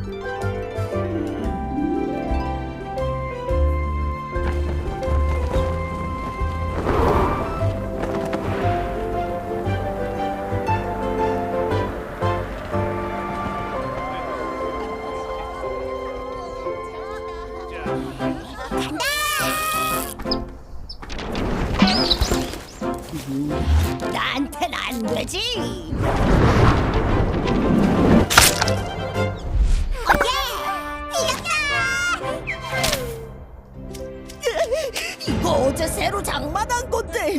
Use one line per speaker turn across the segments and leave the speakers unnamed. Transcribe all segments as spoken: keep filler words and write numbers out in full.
나한텐 안 되지. 이거 어제 새로 장만한 건데.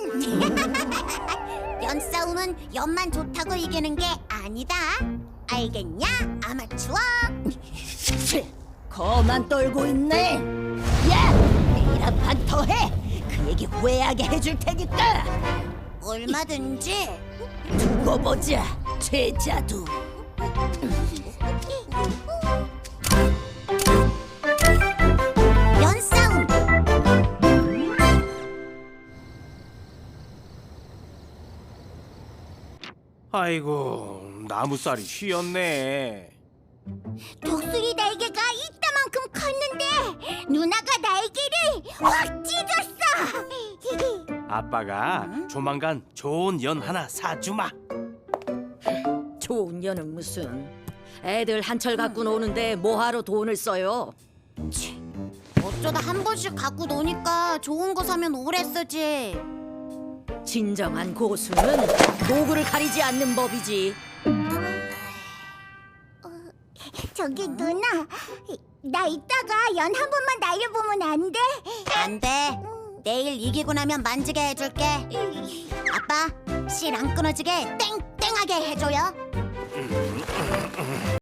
연 싸움은 연만 좋다고 이기는 게 아니다. 알겠냐, 아마추어?
치, 거만 떨고 있네. 야, 내일 한 판 더 해. 그 얘기 후회하게 해줄 테니까.
얼마든지.
두고 보자, 제자두.
연 싸움.
아이고, 나무살이 휘었네.
독수리 날개가 이따만큼 컸는데 누나가 날개를 확 찢었어.
아빠가 조만간 좋은 연 하나 사주마.
좋은 년은 무슨. 애들 한철 갖고 노는데 뭐하러 돈을 써요?
어쩌다 한 번씩 갖고 노니까 좋은 거 사면 오래 쓰지.
진정한 고수는 도구를 가리지 않는 법이지.
저기 누나, 나 이따가 연 한 번만 날려보면 안 돼? 안 돼. 내일 이기고 나면 만지게 해줄게. 아빠, 실 안 끊어지게 땡땡하게 해줘요.